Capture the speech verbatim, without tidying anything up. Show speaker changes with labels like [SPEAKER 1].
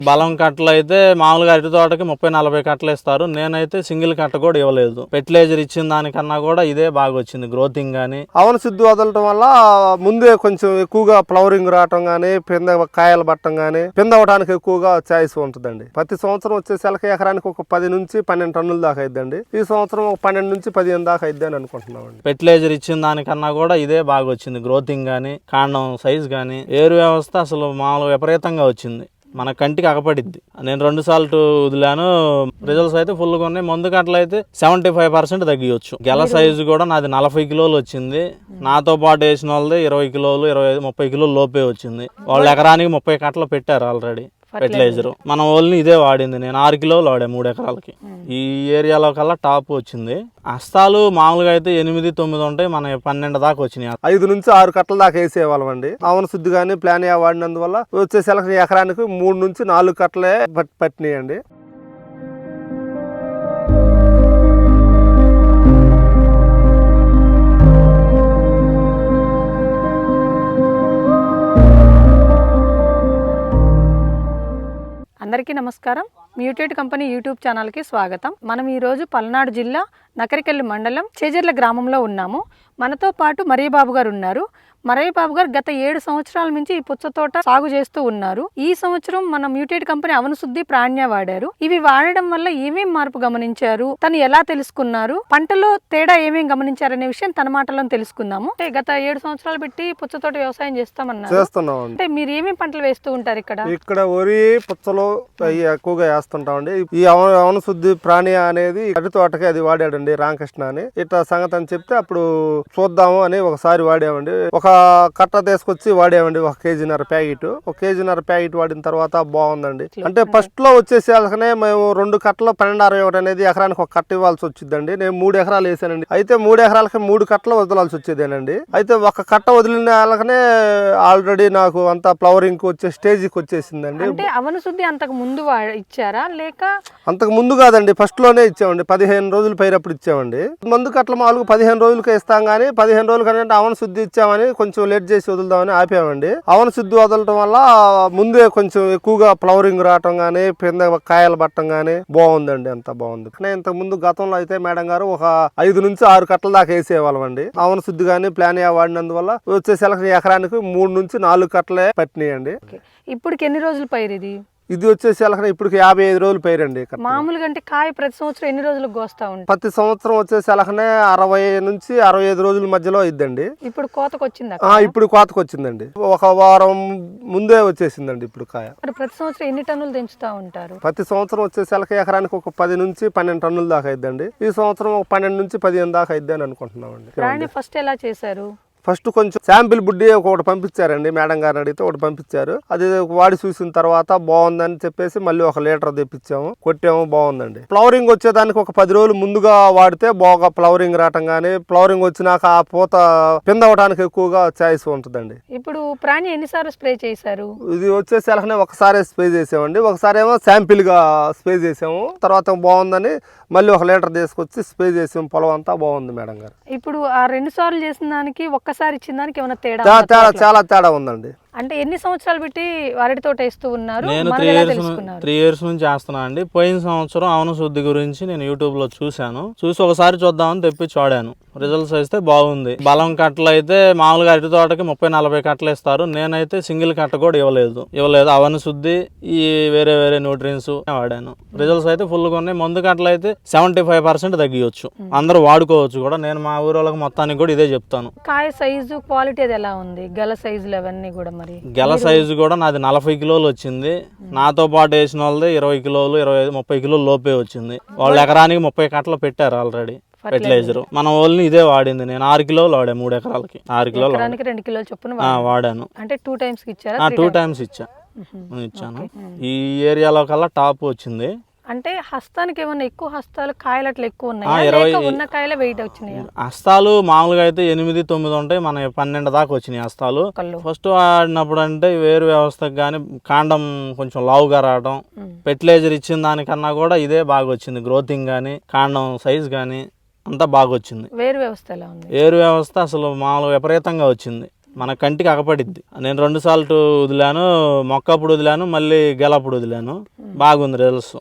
[SPEAKER 1] బలం కట్టలు అయితే మామూలుగా అరటి తోటకి ముప్పై నలభై కట్టలు ఇస్తారు. నేనైతే సింగిల్ కట్ట కూడా ఇవ్వలేదు. ఫెర్టిలైజర్ ఇచ్చిన దానికన్నా కూడా ఇదే బాగా వచ్చింది గ్రోతింగ్ గానీ.
[SPEAKER 2] అవన శుద్ధి వదలటం వల్ల ముందే కొంచెం ఎక్కువగా ఫ్లవరింగ్ రావటం గానీ, పింద కాయలు పట్టడం గానీ, పింద అవడానికి ఎక్కువగా ఛాయిస్ ఉంటుందండి. ప్రతి సంవత్సరం వచ్చేసరికి ఎకరానికి ఒక పది నుంచి పన్నెండు టన్నుల దాకా అయిద్దండి. ఈ సంవత్సరం ఒక పన్నెండు నుంచి పదిహేను దాకా అయిద్ది అని అనుకుంటున్నామండి.
[SPEAKER 1] ఫెర్టిలైజర్ ఇచ్చిన దానికన్నా కూడా ఇదే బాగా వచ్చింది గ్రోతింగ్ గానీ, కాండం సైజ్ గానీ. ఏరు వ్యవస్థ అసలు మామూలుగా విపరీతంగా వచ్చింది, మన కంటికి అగపడిద్ది. నేను రెండు సార్లు వదిలాను, రిజల్ట్స్ అయితే ఫుల్ గా ఉన్నాయి. మందు కట్టలు అయితే సెవెంటీ ఫైవ్ పర్సెంట్ తగ్గియొచ్చు. గెల సైజు కూడా నాది నలభై కిలోలు వచ్చింది. నాతో పాటు వేసిన వాళ్ళది ఇరవై కిలోలు ఇరవై ఐదు ముప్పై కిలోలు లోపే వచ్చింది. వాళ్ళు ఎకరానికి ముప్పై కట్టలు పెట్టారు ఆల్రెడీ ఫెర్టిలైజర్. మనం ఓన్లీ ఇదే వాడింది. నేను ఆరు కిలోలు వాడా మూడు ఎకరాలకి. ఈ ఏరియాలో కల్లా టాప్ వచ్చింది. హస్తాలు మామూలుగా అయితే ఎనిమిది తొమ్మిది ఉంటాయి, మన పన్నెండు దాకా వచ్చినాయి.
[SPEAKER 2] ఐదు నుంచి ఆరు కట్టల దాకా వేసేవాళ్ళం అండి. అవన శుద్ధి కానీ ప్లాన్ వాడినందువల్ల వచ్చేసరికి ఎకరానికి మూడు నుంచి నాలుగు కట్టలే పట్టినాయండి.
[SPEAKER 3] అందరికీ నమస్కారం. మ్యూటేట్ కంపెనీ యూట్యూబ్ ఛానల్కి స్వాగతం. మనం ఈరోజు పల్నాడు జిల్లా నకరికల్లి మండలం చేజర్ల గ్రామంలో ఉన్నాము. మనతో పాటు మరయ్య బాబు గారు ఉన్నారు. మరయ్య బాబు గారు గత ఏడు సంవత్సరాల నుంచి ఈ పుచ్చ తోట సాగు చేస్తూ ఉన్నారు. ఈ సంవత్సరం మన మ్యూటేట్ కంపెనీ అవన శుద్ధి ప్రాణ్య వాడారు. ఇవి వాడడం వల్ల ఏమేం మార్పు గమనించారు, తను ఎలా తెలుసుకున్నారు, పంటలో తేడా ఏమేం గమనించారనే విషయం తన మాటలో తెలుసుకుందాము. అంటే గత ఏడు సంవత్సరాలు పెట్టి పుచ్చ తోట వ్యవసాయం చేస్తామన్నారు. అంటే మీరు ఏమేం పంటలు వేస్తూ ఉంటారు ఇక్కడ?
[SPEAKER 2] ఇక్కడ వరి పుచ్చలు ఎక్కువగా వేస్తుంటామండి. ఈ అవన శుద్ధి ప్రాణి అనేది అరటి తోటకి అది వాడాడండి రామకృష్ణ అని. ఇట్లా సంగతి అని చెప్తే అప్పుడు చూద్దాము అని ఒకసారి వాడామండి. ఒక కట్ట తీసుకొచ్చి వాడామండి, ఒక కేజీన్నర ప్యాకెట్. ఒక కేజీన్నర ప్యాకెట్ వాడిన తర్వాత బాగుందండి. అంటే ఫస్ట్ లో వచ్చేసరికనే మేము రెండు కట్టలు పన్నెండు అరవై ఒకటి అనేది ఎకరానికి ఒక కట్ట ఇవ్వాల్సి వచ్చిందండి. నేను మూడు ఎకరాలు వేసానండి. అయితే మూడు ఎకరాలకి మూడు కట్టలు వదలాల్సి వచ్చేదేనండి. అయితే ఒక కట్ట వదిలిన వాళ్ళకనే ఆల్రెడీ నాకు అంతా ఫ్లవరింగ్ వచ్చే స్టేజ్కి వచ్చేసిందండి.
[SPEAKER 3] అంటే అవన శుద్ధి అంతకు ముందు ఇచ్చారా లేక?
[SPEAKER 2] అంతకు ముందు కాదండి, ఫస్ట్ లోనే ఇచ్చామండి. పదిహేను రోజులు పైరప్పుడు ఇచ్చామండి. మందు కట్టలు మామూలుగా పదిహేను రోజులకి ఇస్తాం కానీ పదిహేను రోజులు కంటే అవన శుద్ధి ఇచ్చామని కొంచెం లేట్ చేసి వదులుదామని ఆపామండి. అవన శుద్ధి వదలటం వల్ల ముందే కొంచెం ఎక్కువగా ఫ్లవరింగ్ రావటం గానీ, పింద కాయలు పట్టడం గానీ బాగుందండి. అంత బాగుంది. ఇంతకు ముందు గతంలో అయితే మేడం గారు ఒక ఐదు నుంచి ఆరు కట్టల దాకా వేసేవాళ్ళం అండి. అవన శుద్ధి గానీ ప్లాన్ వాడినందువల్ల వచ్చేసరికి ఎకరానికి మూడు నుంచి నాలుగు కట్టలే పట్టినాయండి.
[SPEAKER 3] ఇప్పటికి ఎన్ని రోజులు పైరు ఇది?
[SPEAKER 2] ఇది వచ్చేసి ఇప్పుడు యాభై ఐదు రోజులు పైరండి.
[SPEAKER 3] మామూలుగా అంటే కాయ ప్రతి సంవత్సరం ఎన్ని రోజులకు కోస్తా ఉంటాయి?
[SPEAKER 2] ప్రతి సంవత్సరం వచ్చేసి అలాగనే అరవై నుంచి అరవై ఐదు రోజుల మధ్యలో ఇద్దండి.
[SPEAKER 3] ఇప్పుడు కోతకు వచ్చిందా?
[SPEAKER 2] ఇప్పుడు కోతకు వచ్చిందండి. ఒక వారం ముందే వచ్చేసిందండి ఇప్పుడు కాయ.
[SPEAKER 3] ప్రతి సంవత్సరం ఎన్ని టన్నులు తెంచుతా ఉంటారు?
[SPEAKER 2] ప్రతి సంవత్సరం వచ్చేసరికి ఎకరానికి ఒక పది నుంచి పన్నెండు టన్నుల దాకా అయిద్దండి. ఈ సంవత్సరం ఒక పన్నెండు నుంచి పదిహేను దాకా అయిద్ది అని అనుకుంటున్నామండి.
[SPEAKER 3] ఫస్ట్ ఎలా చేశారు?
[SPEAKER 2] ఫస్ట్ కొంచెం శాంపిల్ బుడ్డి ఒకటి పంపించారండి, మేడం గారిని అడిగితే ఒకటి పంపించారు. అది వాడి చూసిన తర్వాత బాగుందని చెప్పేసి మళ్ళీ ఒక లీటర్ తెప్పించాము, కొట్టాము, బాగుందండి. ఫ్లవరింగ్ వచ్చేదానికి ఒక పది రోజులు ముందుగా వాడితే బాగా ఫ్లవరింగ్ రావటం కానీ, ఫ్లవరింగ్ వచ్చినాక ఆ పూత పింద అవడానికి ఎక్కువగా ఛాయిస్ ఉంటుందండి.
[SPEAKER 3] ఇప్పుడు ప్రాణి ఎన్నిసార్లు స్ప్రే చేశారు?
[SPEAKER 2] ఇది వచ్చేసి అలానే ఒకసారి స్ప్రే చేసామండి. ఒకసారి ఏమో శాంపిల్ గా స్ప్రే చేసాము, తర్వాత బాగుందని మళ్ళీ ఒక లీటర్ తీసుకొచ్చి స్ప్రే చేసాము. పొలం అంతా బాగుంది మేడం గారు.
[SPEAKER 3] ఇప్పుడు ఆ రెండు సార్లు చేసిన దానికి ఒక్కసారి ఇచ్చిన దానికి ఏమైనా తేడా?
[SPEAKER 2] తేడా చాలా తేడా ఉందండి.
[SPEAKER 3] అంటే ఎన్ని సంవత్సరాలు పెట్టి అరటి తోట వేస్తూ ఉన్నారు?
[SPEAKER 1] నేను త్రీ ఇయర్స్ త్రీ ఇయర్స్ నుంచి చేస్తున్నా అండి. పోయిన సంవత్సరం అవన శుద్ధి గురించి నేను యూట్యూబ్ లో చూశాను. చూసి ఒకసారి చూద్దామని తెప్పి చూడాను. రిజల్ట్స్ అయితే బాగుంది. బలం కట్టలు అయితే మామూలుగా అరటి తోటకి ముప్పై నలభై కట్టలు ఇస్తారు. నేనైతే సింగిల్ కట్ట కూడా ఇవ్వలేదు ఇవ్వలేదు అవన శుద్ధి ఈ వేరే వేరే న్యూట్రియన్స్ వాడాను. రిజల్ట్స్ అయితే ఫుల్ గా ఉన్నాయి. మందు కట్టలు అయితే సెవెంటీ ఫైవ్ పర్సెంట్ తగ్గియొచ్చు. అందరూ వాడుకోవచ్చు కూడా. నేను మా ఊరు వాళ్ళకి మొత్తానికి కూడా ఇదే చెప్తాను.
[SPEAKER 3] కాయ సైజు క్వాలిటీ అది ఎలా ఉంది? గల సైజులు అవన్నీ కూడా
[SPEAKER 1] గెల సైజు కూడా నాది నలభై కిలోలు వచ్చింది. నాతో పాటు వేసిన వాళ్ళది ఇరవై కిలోలు ఇరవై ఐదు ముప్పై కిలోలు లోపే వచ్చింది. వాళ్ళు ఎకరానికి ముప్పై కట్టలు పెట్టారు ఆల్రెడీ ఫెర్టిలైజర్. మనం ఓన్లీ ఇదే వాడింది. నేను ఆరు కిలోలు వాడా మూడు ఎకరాలకి. ఆరు కిలోలు
[SPEAKER 3] రెండు కిలోలు చొప్పున
[SPEAKER 1] వాడాను.
[SPEAKER 3] అంటే టూ టైమ్స్ ఇచ్చారా?
[SPEAKER 1] టూ టైమ్స్ ఇచ్చా ఇచ్చాను. ఈ ఏరియాలో కల్లా టాప్ వచ్చింది.
[SPEAKER 3] అంటే హస్తానికి ఏమన్నా ఎక్కువ హస్తాలు కాయలు అట్లా ఎక్కువ ఉన్నాయి? ఉన్న కాయలు వెయిట్ వచ్చినాయి?
[SPEAKER 1] హస్తాలు మామూలుగా అయితే ఎనిమిది తొమ్మిది ఉంటాయి, మన పన్నెండు దాకా వచ్చినాయి హస్తాలు. ఫస్ట్ వాడినప్పుడు అంటే వేరు వ్యవస్థకు కానీ కాండం కొంచెం లావుగా రావడం, ఫెర్టిలైజర్ ఇచ్చిన దానికన్నా కూడా ఇదే బాగా వచ్చింది. గ్రోతింగ్ గానీ, కాండం సైజ్ గానీ అంతా బాగా వచ్చింది.
[SPEAKER 3] వేరు వ్యవస్థ ఎలా ఉంది?
[SPEAKER 1] వేరు వ్యవస్థ అసలు మామూలుగా విపరీతంగా వచ్చింది. మన కంటికి అగపడిద్ది. నేను రెండు సార్లు వదిలాను, మొక్కప్పుడు వదిలాను, మళ్ళీ గెలప్పుడు వదిలాను, బాగుంది రిజల్ట్స్.